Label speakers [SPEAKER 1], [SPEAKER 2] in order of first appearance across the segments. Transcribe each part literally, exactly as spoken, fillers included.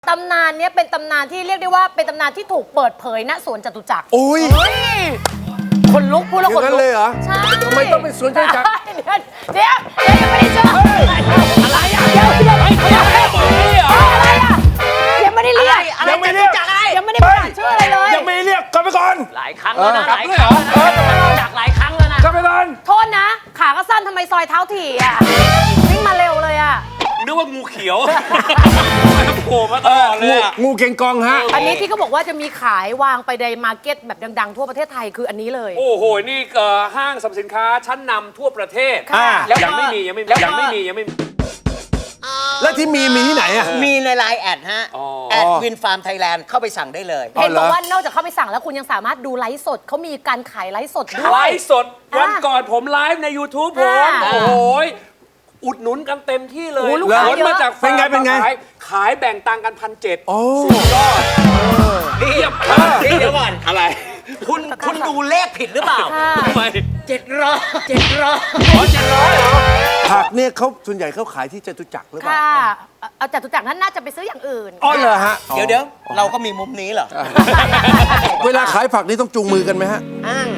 [SPEAKER 1] ตำนานเนี้ยเป็นตำนานที่เรียกได้ว่าเป็นตำนานที่ถูกเปิดเผยณสวนจตุจักร
[SPEAKER 2] โอ้ย
[SPEAKER 1] คนลุกพูดแล้วคน
[SPEAKER 2] อย่างนั้
[SPEAKER 1] ลุ
[SPEAKER 2] นเลยเหรอ
[SPEAKER 1] ใช่
[SPEAKER 2] ทำไมต้องเป็นสวนจตุจักร
[SPEAKER 1] เดี๋ยวเดี๋ยวเดี๋ยวยังไม่ได้เจออะไรอ่ะเดี๋ยวเดี๋ยวเฮ้ยเขายังไม่ได้อะไรอ่ะยังไม่ได้เรียก
[SPEAKER 2] ยังไม่เรียก
[SPEAKER 1] ยังไม่ได้ประกาศชื่ออะไรเลย
[SPEAKER 2] ยังไม่เรียกกลับไปก่อน
[SPEAKER 3] หลายครั้งแล้วนะ
[SPEAKER 2] เออ
[SPEAKER 3] หลายครั้งแล้วนะจากหลายครั้งแล้วนะ
[SPEAKER 2] กลับไปก่อน
[SPEAKER 1] โทษนะ ขาก็สั้นทำไมซอยเท้าถี่อ่ะวิ่งมาเร็วเลยอ่ะ
[SPEAKER 3] นึกว่างูเขียวโผล่มาตลอดเลย
[SPEAKER 2] งู
[SPEAKER 3] อะ
[SPEAKER 2] งูเก่งกองฮะ
[SPEAKER 1] อันนี้ที่เขาบอกว่าจะมีขายวางไปในมาร์เก็ตแบบดังๆทั่วประเทศไทยคืออันนี้เลย
[SPEAKER 3] โอ้โห นี่เอ่อห้างสรรพสินค้าชั้นนำทั่วประเทศ
[SPEAKER 1] ค่ะ
[SPEAKER 3] แล้วยังไม่มียังไม่มียังไม่มียังไม่มี
[SPEAKER 2] แล้วที่มีมีที่ไหนอ่ะ
[SPEAKER 4] มีในไลน์แอดฮะ
[SPEAKER 3] อ๋อ
[SPEAKER 4] แอดวินฟาร์มไทยแลนด์เข้าไปสั่งได้เลย
[SPEAKER 1] เห็น
[SPEAKER 2] เหร
[SPEAKER 1] บ
[SPEAKER 2] อ
[SPEAKER 1] อกว่านอกจากเข้าไปสั่งแล้วคุณยังสามารถดูไลฟ์สดเขามีการขายไลฟ์สดด้
[SPEAKER 3] ไล
[SPEAKER 1] วย
[SPEAKER 3] ฟ์สดวันก่อนผมไลฟ์ใน YouTube ผม
[SPEAKER 1] อ่า
[SPEAKER 3] โอ้โหอุดหนุนกันเต็มที่เลย
[SPEAKER 1] โอ้ลูกค้า
[SPEAKER 3] ขนมาจาก
[SPEAKER 2] เป็นไงเป็นไง
[SPEAKER 3] ขายขายแบ่งตังค์กันพันเจ็ด
[SPEAKER 2] โอ้
[SPEAKER 3] สุดยอดเทียบ
[SPEAKER 4] นี่เดี๋ยวก่อน
[SPEAKER 3] อะไร
[SPEAKER 4] คุณคุณดูเลขผิดหรือเปล่า
[SPEAKER 1] ค่ะ
[SPEAKER 3] ทำไม
[SPEAKER 4] เจ็ดร้อยเจ็ดร้อย
[SPEAKER 3] อ๋อเจ็ดร้อยเหรอ
[SPEAKER 2] ผักเนี่ยเขาส่วนใหญ่เขาขายที่จตุจักรหรือเปล่า
[SPEAKER 1] ค่ะเอาเอาจตุจักรนั้นน่าจะไปซื้ออย่างอื่น
[SPEAKER 2] อ๋อเหรอฮะ
[SPEAKER 4] เดี๋ยวเดี๋ยวเราก็มีมุมนี้เหรอ
[SPEAKER 2] เวลาขายผักนี่ต้องจูงมือกันไหมฮะ
[SPEAKER 4] อ้าง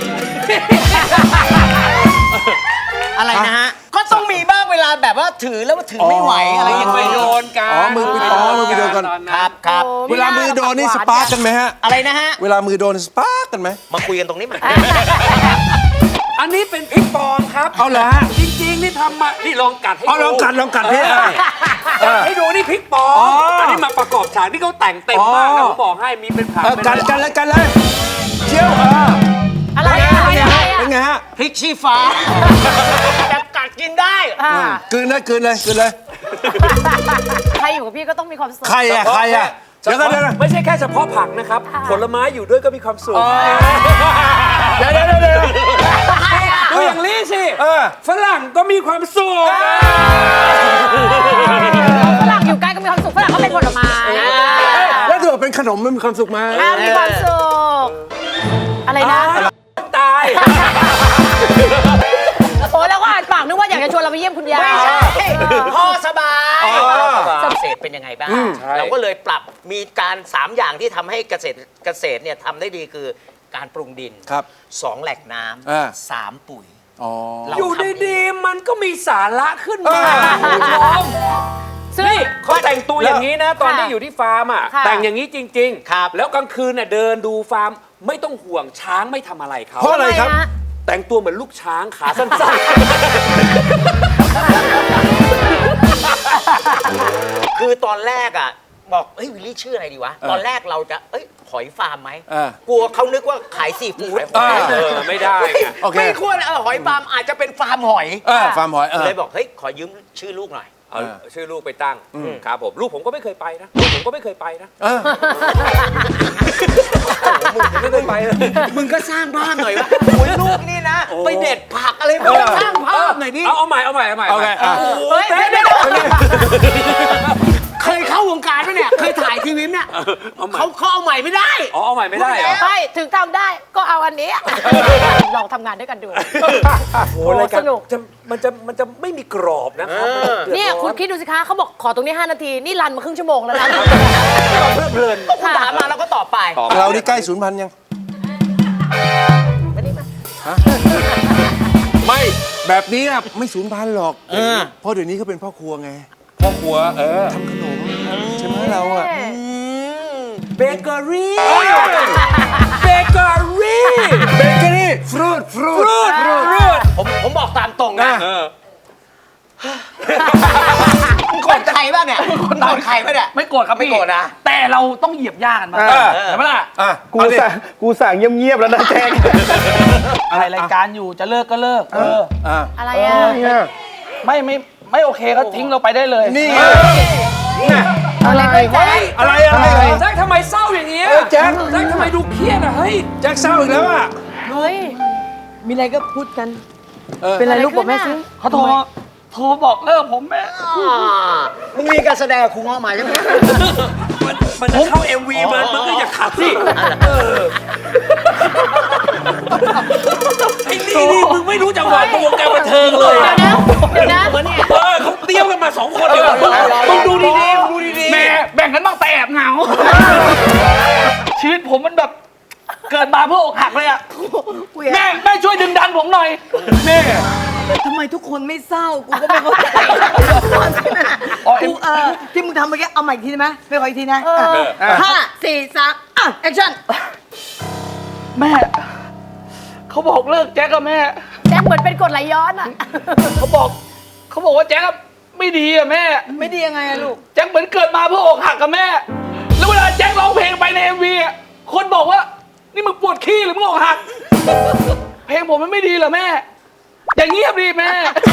[SPEAKER 4] อะไรนะฮะ ก็ต้องมีบ้างเวลาแบบว่าถือแล้วว่าถือไม่ไหวอะไรอย่าง
[SPEAKER 3] ไป
[SPEAKER 4] เงี้ย
[SPEAKER 3] โดนกัน
[SPEAKER 2] อ๋อมือไปอ๋อมือไปโดนกัน
[SPEAKER 3] ตอ
[SPEAKER 4] ครับครับ
[SPEAKER 1] โอ้
[SPEAKER 2] เวลามือโดนนี่สปาร์กกันไหมฮะ
[SPEAKER 4] อะไรนะฮะ
[SPEAKER 2] เวลามือโดนสปาร์กกันไหม
[SPEAKER 4] มาคุยกันตรงนี้มา
[SPEAKER 3] อันนี้เป็นพริกปลอมครับ
[SPEAKER 2] เอาเหรอฮะ
[SPEAKER 3] จริงๆ นี่ทำมา นี่ลองกัดให้ดู
[SPEAKER 2] อ๋อลองกัดลองกัดพี่
[SPEAKER 3] เออให้ดูนี่พริกปลอม
[SPEAKER 2] อ๋ออั
[SPEAKER 3] อันนี้มาประกอบฉากที่เขาแต่งเต็มมาก
[SPEAKER 2] อ๋อ
[SPEAKER 3] นะผมบอกให้มีเป็นผัก
[SPEAKER 2] เออ
[SPEAKER 3] เป็น
[SPEAKER 2] กันกันเลยกันเลยเชี่ยวเออ
[SPEAKER 1] อะไรอะอะไรอะอะไรอะ
[SPEAKER 2] เป็นไงฮะ
[SPEAKER 4] พริกชี้ฟ้าแบบกัดกินได้
[SPEAKER 1] อ่า
[SPEAKER 2] กลืนเลยกลืนเลยกลืนเลย
[SPEAKER 1] ใครอยู่กับพี่ก็ต้องมีความสุข
[SPEAKER 2] ใครอะใครอะเดี๋ยวกันเดี๋ยวกัน
[SPEAKER 3] ไม่ใช่แค่เฉพาะผักนะครับ
[SPEAKER 1] ค่ะ
[SPEAKER 3] ผลไม้อยู่ด้วยก็มีความสุข
[SPEAKER 2] เดี๋ยวเดี๋ยวเดี๋ยวเดี๋ยว
[SPEAKER 3] ดูอย่างนี้สิ
[SPEAKER 2] เออ
[SPEAKER 3] ฝรั่งก็มีความสุข
[SPEAKER 1] ฝรั่งอยู่ใกล้ก็มีความสุขฝรั่งก็เป็นผลไม้
[SPEAKER 2] แล้วถือว่าเป็นขนมมันมีความสุขไหม
[SPEAKER 1] อ่ามีความสุขอะไรนะ
[SPEAKER 3] ตาย
[SPEAKER 1] โอ้แล้วก็อ่านปากนึกว่าอยากจะชวนเราไปเยี่ยมคุณยาย
[SPEAKER 4] ไม่ใช่
[SPEAKER 1] เออ
[SPEAKER 4] พ่อสบาย
[SPEAKER 2] อ๋อ
[SPEAKER 4] เกษตรเป็นยังไงบ้าง
[SPEAKER 3] ใช่
[SPEAKER 4] เราก็เลยปรับมีการสามอย่างที่ทำให้เกษตรเกษตรเนี่ยทำได้ดีคือการปรุงดิน
[SPEAKER 2] ครับ
[SPEAKER 4] สองแหล่งน้
[SPEAKER 2] อ่า
[SPEAKER 4] ำสามปุ๋ย
[SPEAKER 2] อ๋อ
[SPEAKER 4] เรา
[SPEAKER 3] อยู่ดีๆ มันก็มีสาระขึ้นมา
[SPEAKER 2] เออ
[SPEAKER 3] คุณผู้ชม
[SPEAKER 1] ซึ่ง
[SPEAKER 3] นี่เขาแต่งตัวอย่างนี้นะ ตอนที่อยู่ที่ฟาร์มอ่ะ
[SPEAKER 1] ค่ะ
[SPEAKER 3] แต่งอย่างนี้จริง
[SPEAKER 4] ครับ
[SPEAKER 3] แล้วกลางคืนน่ะเดินดูฟาร์มไม่ต้องห่วงช้างไม่ทำอะไรเขา
[SPEAKER 2] เพราะอะไรครับ
[SPEAKER 1] ทำมฮ
[SPEAKER 3] แต่งตัวเหมือนลูกช้างขาสั้น
[SPEAKER 4] คือตอนแรกอ่ะบอกเฮ้ยวิลลี่ชื่ออะไรดีวะ ตอนแรกเราจะเอ้ยหอยฟาร์มไหม
[SPEAKER 2] เออ
[SPEAKER 4] กลัวเขานึกว่าขายซีฟู้ด
[SPEAKER 3] ๆเออไม่ได้ไง
[SPEAKER 2] โอเค
[SPEAKER 4] ไม่ควรเออหอยฟาร์มอาจจะเป็นฟาร์มหอย
[SPEAKER 2] เออฟาร์มหอยเออ
[SPEAKER 4] เลยบอกเฮ้ยขอยืมชื่อลูกหน่อย
[SPEAKER 3] เอาชื่อลูกไปตั้งครับผมลูกผมก็ไม่เคยไปนะลูกผมก็ไม่เคยไปนะ
[SPEAKER 2] เออ
[SPEAKER 3] มึงผมไม่เคยไปเลย
[SPEAKER 4] มึงก็สร้างภาพหน่อยวะโอ้ยลูกนี่นะ ไปเด็ดผักอะไรมึงก็สร้างภาพหน่อยดิ
[SPEAKER 3] เอาเอาใหม่เอาใหม่เอาใหม่
[SPEAKER 2] โอเคอ่ะ
[SPEAKER 1] เฮ้ย
[SPEAKER 3] เต้น
[SPEAKER 1] เดี๋ยวเดี๋ยว
[SPEAKER 4] เคยเข้าวงการไหมเนี่ย เคยถ่ายทีวีเนี่ย
[SPEAKER 3] เอาใหม่
[SPEAKER 4] เขาเขาเอาใหม่ไม่ได้
[SPEAKER 3] อ๋อเอาใหม่ไม่ได้เหรอ
[SPEAKER 1] ใช่ถึงทำได้ก็เอาอันนี้ลองทำงานด้วยกันดู
[SPEAKER 3] โอ้รายการ
[SPEAKER 1] สนุก
[SPEAKER 3] จะมันจะมันจะไม่มีกรอบนะครับ
[SPEAKER 4] เออ
[SPEAKER 3] ดือดร้อ
[SPEAKER 1] เนี่ยคุณคิดดูสิคะเขาบอกขอตรงนี้ ห้า นาที นี่รันมาครึ่งชั่วโมงแล้วนะ
[SPEAKER 3] เพลิดเพลิน
[SPEAKER 4] คุณถามมาแล้วก็ตอบไป
[SPEAKER 3] ตอบ
[SPEAKER 2] เรานี่ใกล้ศูนย์พันธุ์ยัง
[SPEAKER 1] มานี่มา
[SPEAKER 2] ไม่แบบนี้อะไม่ศูนย์พันธุ์หรอก
[SPEAKER 4] เออ
[SPEAKER 2] เพราะเดี๋ยวนี้เขาเป็นพ่อครัวไง
[SPEAKER 3] พ่อครัวเออ
[SPEAKER 2] ทำขนมใช่ไหมเราอะ
[SPEAKER 3] เบเกอรี่เบเกอรี่
[SPEAKER 2] เบเกอรี่ฟรุตฟรุต
[SPEAKER 3] ฟรุตฟรุต
[SPEAKER 4] ผมผมบอกตามตรงนะ
[SPEAKER 3] เออ
[SPEAKER 4] มึงโกรธใครบ้างเนี่ยโกรธใครบ้างเนี่ย
[SPEAKER 5] ไม่โกรธครับ
[SPEAKER 4] ไม่
[SPEAKER 5] พี่
[SPEAKER 4] โกรธนะ
[SPEAKER 5] แต่เราต้องเหยียบย่ากันมา
[SPEAKER 2] เออ
[SPEAKER 5] เห็นไหมล่ะ
[SPEAKER 2] อ่ะ
[SPEAKER 6] กู
[SPEAKER 2] เอาดิ
[SPEAKER 6] สั่งกูสั่งเงียบๆแล้วนะแจ็ค
[SPEAKER 5] อะไรรายการอยู่จะเลิกก็เลิก เออ
[SPEAKER 2] อ่ะ
[SPEAKER 1] อะไร
[SPEAKER 5] เอ
[SPEAKER 1] อ่ะ
[SPEAKER 5] อไม่ไม่ไม่โอเคก็ทิ้งเราไปได้เลย
[SPEAKER 2] นี่ไง
[SPEAKER 1] อะไรก็แจ๊ค
[SPEAKER 2] อะไรอะไรอะไร
[SPEAKER 3] แจ็คทำไมเศร้าอย่างเงี้ย
[SPEAKER 2] เออแจ็ค
[SPEAKER 3] แจ็คทำไมดูเครียดอ่ะเฮ้ย
[SPEAKER 2] แจ็คเศร้าอีกแล้วอะ
[SPEAKER 1] เฮ้ย
[SPEAKER 7] มีอะไรก็พูดกัน
[SPEAKER 2] เออ
[SPEAKER 7] เป็นไรลูกบอกแม่ซิ
[SPEAKER 5] เขาโทรโทรบอกเลิกผมแม่
[SPEAKER 4] มึงมีการแสดงกับครูง้อมาใช่ไหม
[SPEAKER 3] มันมันจะเข้า เอ็ม วีมันมันก็อย่าขัดสิเออไอ้นี่นี่มึงไม่รู้จังหวะตัววงการบันเทิงเลย
[SPEAKER 1] เดี๋ยว
[SPEAKER 3] อะ
[SPEAKER 1] นะเดี๋ยวนะ
[SPEAKER 3] เออเขาเตรียมกันมาสองคนเลยมึงดูดีๆมึงดูดีๆ
[SPEAKER 5] แม่แบ่งกันบ้างแต่แอบเหงา ชีวิตผมมันแบบเกิดมาเพื่ออกหักเลยอะแม่แม่ช่วยดึงดันผมหน่อยแม่
[SPEAKER 7] ทำไมทุกคนไม่เศร้า กูก็ไม่เข้าใจกูเออที่มึงทำเมื่อกี้เอาใหม่อีกทีได้ไหมไม่ขออีกทีนะอ่ะห้าสี่สามอ่ะแอคชั่น
[SPEAKER 5] แม่เขาบอกเลิกแจ็คกับแม่
[SPEAKER 1] แจ็คเหมือนเป็นกรดไหลย้อนอ่ะ
[SPEAKER 5] เขาบอกเขาบอกว่าแจ็คอะไม่ดีอะแม่
[SPEAKER 7] ไม่ดียังไงอะลูก
[SPEAKER 5] แจ็คเหมือนเกิดมาเพื่ออกหักกับแม่ แล้วเวลาแจ็คร้องเพลงไปใน เอ็ม วี อะคนบอกว่านี่มึงปวดขี้หรือมึงอกหัก เพลงผมมันไม่ดีเหรอแม่ อย่างเงียบดิแม่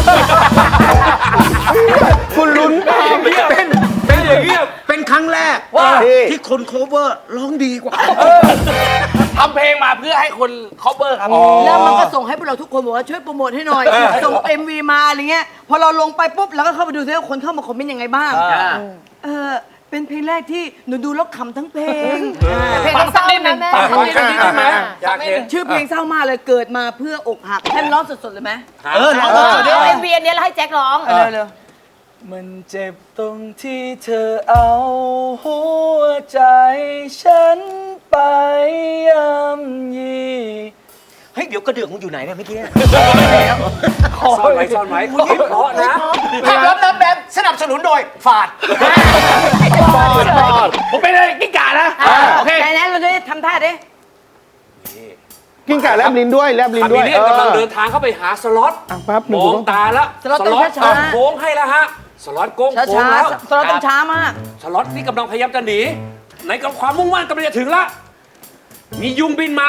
[SPEAKER 6] คุณลุ้น
[SPEAKER 3] เป็นเป็นอย่างเงี้ยเป็นครั้งแรก
[SPEAKER 5] ว่า
[SPEAKER 3] ที่คนโคเวอร์ร้องดีกว่า
[SPEAKER 5] ทำเพลงมาเพื่อให้คน cover ครับ
[SPEAKER 7] แล้วมันก็ส่งให้พวกเราทุกคนบอกว่าช่วยโปรโมทให้หน่อย ส่ง เอ็ม วี มาอะไรเงี้ย พอเราลงไปปุ๊บเราก็เข้าไปดูซิว่าคนเข้ามาคอมเมนต์ยังไงบ้าง เออเป็นเพลงแรกที่หนูดูแล้วขำทั้งเพลง
[SPEAKER 1] เพลงก็เศร้านะแม่
[SPEAKER 5] ฟังสักนิดได้ไหม
[SPEAKER 3] อยากเห็น
[SPEAKER 7] ชื่อเพลงเศร้ามากเลยเกิดมาเพื่ออกหักให้มันร้องสดๆเลยไหม
[SPEAKER 3] เออร้อง
[SPEAKER 1] เอ
[SPEAKER 3] ส
[SPEAKER 1] อ
[SPEAKER 3] ดๆ
[SPEAKER 1] เดี๋
[SPEAKER 3] ด้
[SPEAKER 1] ยว
[SPEAKER 3] วย
[SPEAKER 1] เอ็มวีอันเนี้ยแล้วให้แจ็คร้อง
[SPEAKER 7] เร็วเร็ว
[SPEAKER 5] มันเจ็บตรงที่เธอเอาหัวใจฉันไปย่ำยี
[SPEAKER 4] เฮ้ยเดี๋ยวกระเดื่องมึงอยู่ไหนเนี่ยเมื่อกี้
[SPEAKER 3] ซ่อนไว้ซ่อนไว้คุณนี่เพราะนะ
[SPEAKER 4] ภาพลับน้ำแบบสนับสนุนโดยฝาด
[SPEAKER 5] ผมเป็นอะไรกิ้งก่านะ โอเค
[SPEAKER 7] ไหนๆเราจะได้ทำท่าดิ
[SPEAKER 6] กิ้งก่าแลบลิ้นด้วยแลบลิ้น
[SPEAKER 3] คา
[SPEAKER 6] ด้
[SPEAKER 3] บิ
[SPEAKER 6] วย
[SPEAKER 3] เลียนกำลังเดินทางเข้าไปหาสล็อต
[SPEAKER 6] อ่ะปั๊บหนึ่
[SPEAKER 3] ม
[SPEAKER 6] ง
[SPEAKER 3] องตาแล้ว
[SPEAKER 7] สล็อตต้องช้าๆ
[SPEAKER 3] โค้งให้แล้วฮะสล็อตโค้ง
[SPEAKER 7] ช้า
[SPEAKER 3] โค้ง
[SPEAKER 7] ช้า
[SPEAKER 3] แล้ว
[SPEAKER 7] สโลว์ต้องช้ามาก
[SPEAKER 3] สล็อตนี่กำลังพยายามจะหนีในกับความมุ่งมั่นกำลังจะถึงละมียุงบินมา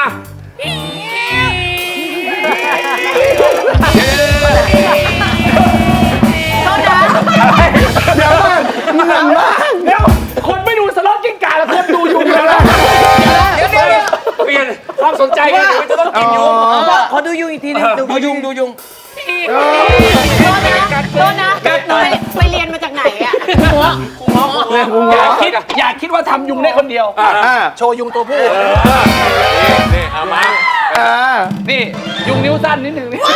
[SPEAKER 6] เดี๋ยวก่อนเหมือนมาก
[SPEAKER 5] เดี๋ยว คนไม่ดูสล็อตกิ้งก่าแล้วคนดูยุงแล้วนะ
[SPEAKER 3] เดี๋ยวเดี๋ยวเปลี่ยนความสนใจกันเดี๋ยวจะต้องกินยุง
[SPEAKER 7] ขอดูยุงอีกทีนึง
[SPEAKER 3] ดูยุงดูยุง
[SPEAKER 1] โทษนะไปไปเรียนมาจากไหนอ่ะ
[SPEAKER 5] อย่าคิดอย่าคิดว่าทำยุงได้คนเดียว
[SPEAKER 6] อ่า
[SPEAKER 5] โชว์ยุงตัวผู้
[SPEAKER 3] นี่เอามา
[SPEAKER 6] อ่า
[SPEAKER 5] นี่ยุงนิ้วสั้นนิดหนึ่งนี่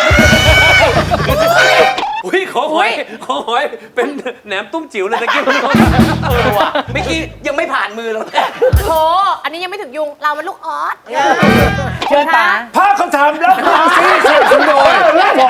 [SPEAKER 3] อุ้ยขอหอยขอหอยเป็นแหนมตุ้มจิ๋วเลยตะกี้
[SPEAKER 4] เออว่ะเมื่อกี้ยังไม่ผ่านมือเราเลย
[SPEAKER 1] โถอันนี้ยังไม่ถึงยุง เรามันลูกออส
[SPEAKER 7] เชิญป๋า
[SPEAKER 3] ภาพคำถามแล้วความซีเสียสุดโดย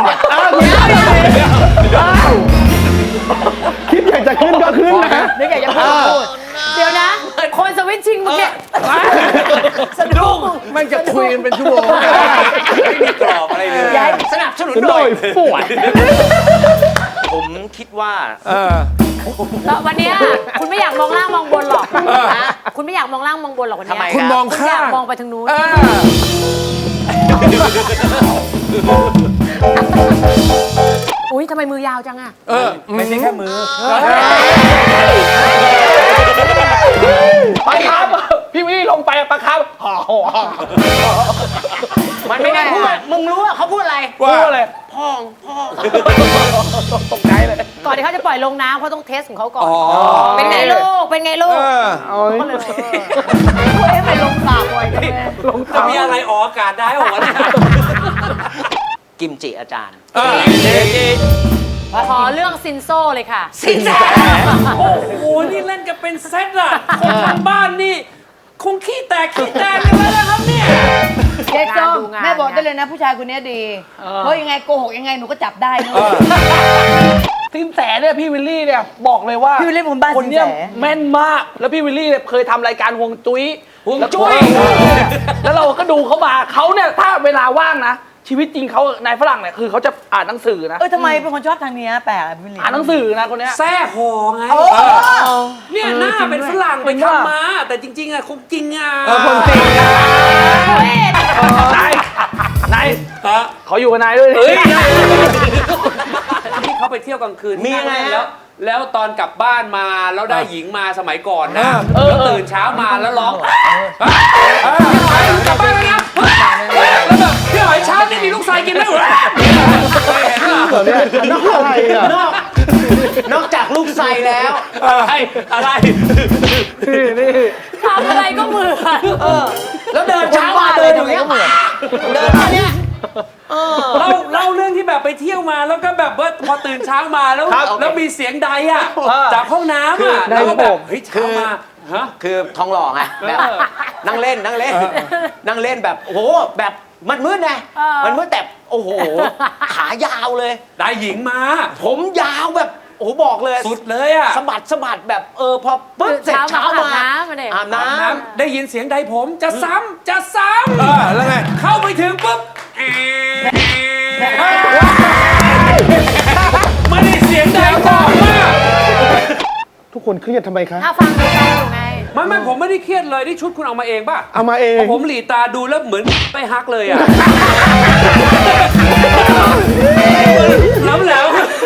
[SPEAKER 6] คิดอยากจะขึ้นก็ขึ้นนะ
[SPEAKER 7] นึกอยากจะพูด
[SPEAKER 1] เดี๋ยวนะ คนสวิตชิงเมื่อกี้
[SPEAKER 3] สนุกมันจะคุยกันเป็นชั่วโมงไม่มีกรอบอะไรเลย
[SPEAKER 4] สนับสนุน
[SPEAKER 6] โด
[SPEAKER 4] โดย
[SPEAKER 6] ยปวด
[SPEAKER 4] ผมคิดว่า
[SPEAKER 1] แล้ววันเนี้ยคุณไม่อยากมองล่างมองบนหรอกนะคุณไม่อยากมองล่างมองบนหรอกวันเนี้ย
[SPEAKER 4] ทำไม
[SPEAKER 3] คุณมอง
[SPEAKER 1] คุณ
[SPEAKER 3] ข้า
[SPEAKER 1] อยาก
[SPEAKER 3] ง
[SPEAKER 1] มองไปทางนู้น อุ้ยทำไมมือยาวจังอะ
[SPEAKER 5] ไม่ใช่แค่มือปลาคาร์ฟพี่วิลลี่ลงไปอะปลาคาร์ฟห่อห่อห่อ
[SPEAKER 4] มันไม่ได้พูดมึงรู้ว่าเขาพูดอะไร
[SPEAKER 5] พูดอะไร
[SPEAKER 4] พ่องพ่อง
[SPEAKER 5] ตกใจเลย
[SPEAKER 1] ก่อนที่เขาจะปล่อยลงน้ำเขาต้องเทสของเขาก่อน เป็นไงลูก เป็นไงลูก ก็เลยเอ๊ะไปลงสาบ่อยจังเลย
[SPEAKER 3] จะมีอะไรออกอากาศได้หรอวะเนี่ย
[SPEAKER 4] กิมจิอาจารย์
[SPEAKER 1] ขอเรื่องซินโซเลยค่ะ
[SPEAKER 3] สินแสโอ้โห นี่เล่นกันเป็นเซตอะคนทางบ้านนี่ คงขี้แตกขี้แตกกันแล้วนะครับเนี่ย
[SPEAKER 7] เจ๊ส้ม
[SPEAKER 1] ดูงาน
[SPEAKER 7] แม่บอกได้เลยนะผู้ชายคนนี้ดี เพราะยังไงโกหกยังไงหนูก็จับได้นะ
[SPEAKER 5] สินแสเนี่ยพี่วิลลี่เนี่ยบอกเลยว่า
[SPEAKER 7] พี่วิลลี่ผมบ้าน
[SPEAKER 5] คนเนี้ย
[SPEAKER 7] สินแส
[SPEAKER 5] แม่นมากแล้วพี่วิลลี่เนี่ยเคยทำรายการฮวงจุ้ย
[SPEAKER 3] ฮวงจุ้ย
[SPEAKER 5] แล้วเราก็ดูเขามาเขาเนี่ยถ้าเวลาว่างนะชีวิตจริงเขานายฝรั่งเนี่ยคือเขาจะอ่านหนังสือนะ
[SPEAKER 7] เออทำไมเป็นคนชอบทางนี้แปลกอะพี่ลิ
[SPEAKER 5] อ่านหนังสือนะคนเนี้ย
[SPEAKER 3] แซ่หอไง เนี่ยหน้าเป็นฝรั่งไปทำมา แต่จริง ๆอะคงจริงอะ
[SPEAKER 6] คนจริง
[SPEAKER 5] นายนาย
[SPEAKER 3] ฮะ
[SPEAKER 5] ขออยู่กับนายด้วยดิ
[SPEAKER 3] เฮ้ยที่เขาไปเที่ยวกลางคืน
[SPEAKER 4] มียังไงฮะ
[SPEAKER 3] แล้ว แล้วตอนกลับบ้านมาแล้วได้หญิงมาสมัยก่อนนะแล้วตื่นเช้ามาแล้วร้องกลับบ้านแล้วนะแล้วแบบพี่หอยเช้านี่มีลูกชายกินไหมวะเคยเห็นเหรอ
[SPEAKER 6] เหรอเนี่ยนอกอะไรอ่ะ
[SPEAKER 4] นอก นอกจากลูกไซแล้ว
[SPEAKER 3] อะไรอะไร
[SPEAKER 1] ทำอะไรก็เหมือน
[SPEAKER 4] แล้วเดินเช้ามาเดินอย่างเงี้ยเหมือนเดินมาเนี่ย
[SPEAKER 3] เล่าเล่าเรื่องที่แบบไปเที่ยวมาแล้วก็แบบว่าพอตื่นตื่นเช้ามาแล้ว
[SPEAKER 5] ครับ
[SPEAKER 3] แล้วมีเสียงใดอ่ะ
[SPEAKER 5] เออ
[SPEAKER 3] จากห้องน้ำอ่ะ
[SPEAKER 6] คือ
[SPEAKER 3] แล้วก็แบบ
[SPEAKER 6] ผม
[SPEAKER 3] เฮ้ยเช้ามาฮะ
[SPEAKER 4] คือทองหล่อไงแบบนั่งเล่นนั่งเล่น นั่งเล่นแบบโอ้โหแบบมันมืดไง
[SPEAKER 1] เออ
[SPEAKER 4] มันมืดแต่โอ้โห ขายาวเลย
[SPEAKER 3] ได้หญิงมา
[SPEAKER 4] ผมยาวแบบโอ้โหบอกเลย
[SPEAKER 3] สุดเลยอ่ะ
[SPEAKER 4] สะบัดสะบัดแบบเออพอปุ๊บเสร็จ
[SPEAKER 1] เช้า
[SPEAKER 4] เช้า
[SPEAKER 1] มา
[SPEAKER 4] มา
[SPEAKER 1] อาบน้ำมาเนี่ย
[SPEAKER 4] อาบน้
[SPEAKER 3] น้ำได้ยินเสียงใดผมจะซ้ำจะซ้
[SPEAKER 2] เออแล้วไง
[SPEAKER 3] ำเข้าไปถึงปุ๊บแอะไม่ได้เสียงใดบอกว่า
[SPEAKER 6] ทุกคนเครียดทำไมคะ
[SPEAKER 1] ถ้าฟังดูฟังอยู่ไง
[SPEAKER 3] ไม่ไม่ผมไม่ได้เครียดเลยนี่ชุดคุณเอามาเองป่ะ
[SPEAKER 6] เอามาเอง
[SPEAKER 3] ผมหลีตาดูแล้วเหมือนไปฮักเลยอ่ะแล้วแล้ว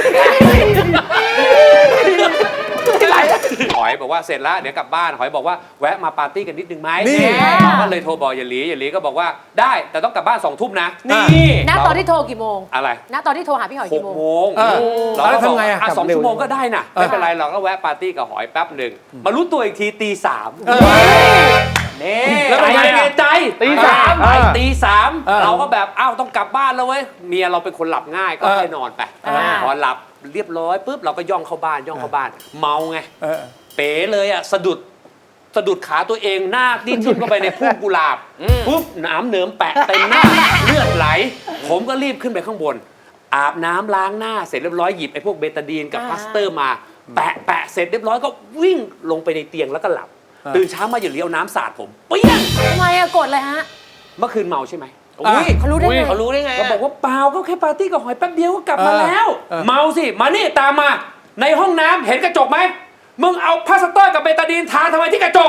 [SPEAKER 3] หอยบอกว่าเสร็จแล้วเดี๋ยวกลับบ้านหอยบอกว่าแวะมาปาร์ตี้กันนิดนึงไหม
[SPEAKER 2] นี่
[SPEAKER 3] เราก็เลยโทรบอกอย่าหลีอย่าหลีก็บอกว่าได้แต่ต้องกลับบ้านสองทุ่มนะ
[SPEAKER 4] นี่
[SPEAKER 1] ณตอนที่โทรกี่โมง
[SPEAKER 3] อะไร
[SPEAKER 1] ณตอนที่โทรหาพี่หอย
[SPEAKER 3] หก
[SPEAKER 1] กี่โมง
[SPEAKER 3] โมง
[SPEAKER 2] เออ
[SPEAKER 3] เราก็
[SPEAKER 2] แล้ว
[SPEAKER 3] บอก
[SPEAKER 2] ทำไงอะ
[SPEAKER 3] อ่ะสอง
[SPEAKER 6] กลับเร็ว
[SPEAKER 3] ชั่วโมงก็ได้นะไม่เป็นไรเราก็แวะปาร์ตี้กับหอยแป๊บหนึ่งมารู้ตัวอีกทีตีสาม
[SPEAKER 4] นี่
[SPEAKER 3] แล้วเป็นไง
[SPEAKER 4] อะ
[SPEAKER 3] เมียใจ
[SPEAKER 5] ตีสาม
[SPEAKER 3] ไปตีสาม
[SPEAKER 2] เออ
[SPEAKER 3] เราก็แบบอ้าวต้องกลับบ้านแล้วเว้ยเมียเราเป็นคนหลับง่ายก็
[SPEAKER 2] เออ
[SPEAKER 3] ให้นอนไป
[SPEAKER 1] อ่า
[SPEAKER 3] พอหลับเรียบร้อยปุ๊บเราก็ย่องเข้าบ้านย่องเข้าบ้าน เมาไง
[SPEAKER 2] เออ
[SPEAKER 3] เป๋เลยอ่ะสะดุดสะดุดขาตัวเองหน้าดิ้นทิ่มเข้าไปในพุ่มกุหลาบปุ๊บน้ำเหนิมแปะเต็มหน้าเลือดไหล ผมก็รีบขึ้นไปข้างบน อาบน้ำล้างหน้าเสร็จเรียบร้อยหยิบไอ้พวกเบตาดีนกับพลาสเตอร์มา แปะแปะเสร็จเรียบร้อยก็วิ่งลงไปในเตียงแล้วก็หลับ
[SPEAKER 2] อ่า
[SPEAKER 3] ตื่นเช้ามาอย่าเลี้ยวน้ำสาดผมเปี้ยง
[SPEAKER 1] ทำไมอะกดเลยฮะ
[SPEAKER 3] เมื่อคืนเมาใช่ไหม
[SPEAKER 4] อุ้ย
[SPEAKER 1] เขารู้ได้ไง
[SPEAKER 4] เขารู้ได้ไง
[SPEAKER 3] ก็บอกว่าเปล่าก็แค่ปาร์ตี้กับหอยแป๊บเดียวก็กลับมา
[SPEAKER 2] เออ
[SPEAKER 3] แล้ว
[SPEAKER 2] เออ
[SPEAKER 3] เมาสิมานี่ตามมาในห้องน้ำเห็นกระจกไหมมึงเอาพลาสเตอร์กับเบตาดีนทาทำไมที่กระจก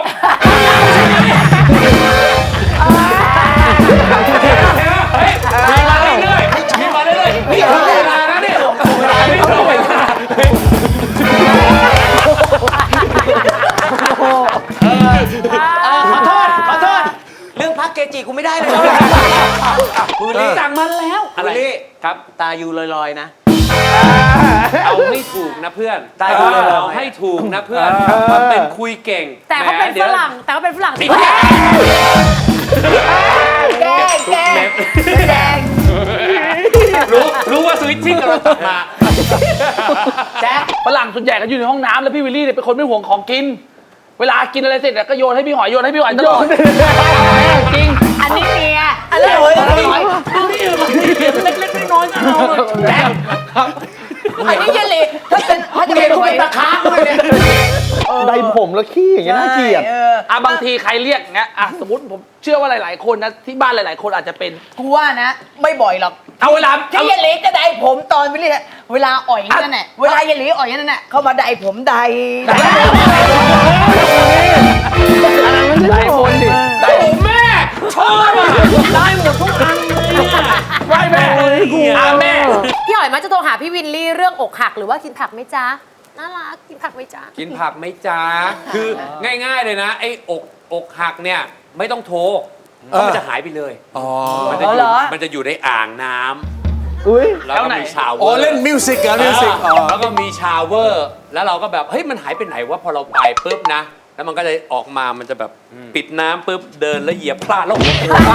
[SPEAKER 3] เฮ้ยมีมาเรื่อยๆมีมาเรื่อยๆนี่ถึงเวลานะเนี่ยเวลาไม่ถึงเวลา
[SPEAKER 4] เออขอโทษขอโทษเรื่องพักเกจิกูไม่ได้เลยนะบุรี
[SPEAKER 3] สั่งมาแล้วอะไร
[SPEAKER 4] บุรี
[SPEAKER 3] ครับ
[SPEAKER 4] ตาอยู่ลอยๆนะ
[SPEAKER 3] เอาให้ถูกนะเพื่อน
[SPEAKER 4] ได้ครับ
[SPEAKER 3] เอาให้ถูกนะเพื่อนมันเป็นคุยเก่ง
[SPEAKER 1] แต่เขาเป็น
[SPEAKER 3] แหมดี๋
[SPEAKER 1] ฝ
[SPEAKER 3] ยว
[SPEAKER 1] รั่งแต่เขาเป็นฝรั่งที่
[SPEAKER 3] แกล้งแกล้งแกล้งรู้รู้ว่าสวิตชิ่งกับเราตัดมา
[SPEAKER 5] แจ๊คฝรั่งส่วนใหญ่ก็อยู่ในห้องน้ำแล้วพี่วิลลี่เนี่ยเป็นคนไม่ห่วงของกิน เวลากินอะไรเสร็จเนี่ยก็โยนให้พี่หอยโยนให้พี่หอยตลอดจริง
[SPEAKER 1] อันนี้เมีย
[SPEAKER 3] อันนี้เฮ้ยดูนี่มันเล็กๆน้อยๆนะเราแจ๊ค
[SPEAKER 1] อันนี้เยลลี่
[SPEAKER 7] ถ้าเป็นถ้าจะเป็นหอย
[SPEAKER 4] ตะค้างเลยเนี่ย
[SPEAKER 6] ใดผมแล้วขี้อย่างเงี้ยน่าเกลียด
[SPEAKER 7] เออ
[SPEAKER 5] อ่ะบางทีใครเรียกเงี้ยอ่ะสมมติผมเชื่อว่าหลาย ๆ คนนะที่บ้านหลาย ๆ คนอาจจะเป็น
[SPEAKER 7] กูว่านะ ไม่บ่อยหรอก
[SPEAKER 5] เอาเวลา
[SPEAKER 7] ที่เยลลี่จะได้ผมตอนวิลลี่เวลาอ่อยนั่นแหละเวลาเยลลี่อ่อยนั่นแหละเข้ามาได้ผมได้
[SPEAKER 5] หลายคนดิ
[SPEAKER 3] โอ้แม่ชอบอ่ะได้หมดทุกอันเลยอ่ะ
[SPEAKER 5] ไหว้แม่อ่ะแม่
[SPEAKER 1] พี่หอยมักจะโทรหาพี่วินลี่เรื่องอกหักหรือว่ากินผักไหมจ๊ะน่ารักกินผักไหมจ๊ะ
[SPEAKER 3] กินผักไหมจ๊ะคือง่ายๆเลยนะไอ้อกอกหักเนี่ยไม่ต้องโทรเพราะมันจะหายไปเลย
[SPEAKER 2] อ๋อ
[SPEAKER 3] มันจะอ
[SPEAKER 7] เหร
[SPEAKER 3] ยู่
[SPEAKER 7] อ
[SPEAKER 3] มันจะอยู่ในอ่างน้ำ
[SPEAKER 6] อุ้ย
[SPEAKER 3] แล้วก็มีชาวเว
[SPEAKER 2] อ๋
[SPEAKER 3] อ
[SPEAKER 2] อ
[SPEAKER 3] ร์
[SPEAKER 2] เล่นมิวสิกเหรอมิวสิกอ๋อ
[SPEAKER 3] แล้วก็มีชาวเวอร์ แล้วเราก็แบบเฮ้ยมันหายไปไหนวะพอเราไปปุ๊บนะ แล้วมันก็จะออกมามันจะแบบปิดน้ำปุ๊บเดินแล้วเหยียบพลาดแล้วหัวโขก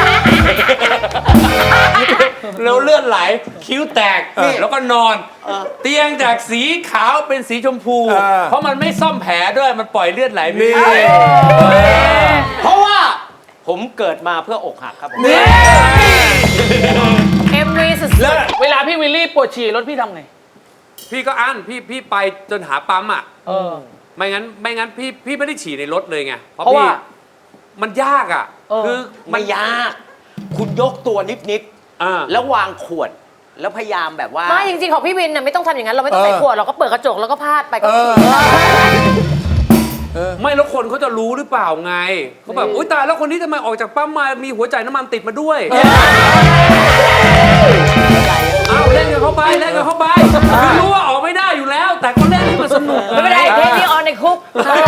[SPEAKER 3] แล้วเลือดไหลคิ้วแตกแล้วก็นอน เตียงจากสีขาวเป็นสีชมพู
[SPEAKER 2] เออ
[SPEAKER 3] เพราะมันไม่ซ่อมแผลด้วยมันปล่อยเลือดไหลไม่
[SPEAKER 2] นี่
[SPEAKER 3] ได้
[SPEAKER 4] เพราะว่าผมเกิดมาเพื่ออกหักครับผม
[SPEAKER 1] เอ็มวีสุด
[SPEAKER 3] แล้ว
[SPEAKER 5] เวลาพี่วิลลี่ปวดฉี่รถพี่ทำไง
[SPEAKER 3] พี่ก็อั้นพี่พี่ไปจนหาปั๊มอ่ะ
[SPEAKER 5] เออ
[SPEAKER 3] ไม่งั้นไม่งั้นพี่พี่ไม่ได้ฉี่ในรถเลยไง
[SPEAKER 5] เพราะว่า
[SPEAKER 3] พี่มันยากอ่ะ
[SPEAKER 5] เออ
[SPEAKER 3] คือมั
[SPEAKER 4] ไม่
[SPEAKER 3] น
[SPEAKER 4] ยาก คุณยกตัวนิด
[SPEAKER 3] อ่า
[SPEAKER 4] ๆแล้ววางขวด แล้วพยายามแบบว่า
[SPEAKER 1] ๆไม่จริงๆของพี่วินน่ะไม่ต้องทำอย่างนั้นเราไม่ต้องใส่ขวดเราก็เปิดกระจกแล้วก็พาดไปก็
[SPEAKER 2] เออ
[SPEAKER 3] ไม่แล้วคนเขาจะรู้หรือเปล่าไงเขาแบบอุ้ยตายแล้วคนนี้ทำไมออกจากปั๊มมามีหัวใจน้ำมันติดมาด้วยเอาเล่นกันเข้าไปเล่นกันเข้าไปคือรู้ว่าออกไม่ได้อยู่แล้ว แต่ก็เล่นให้มันสนุก
[SPEAKER 1] ไม่เป็นไรเทปนี้ออนในคุก
[SPEAKER 3] เออ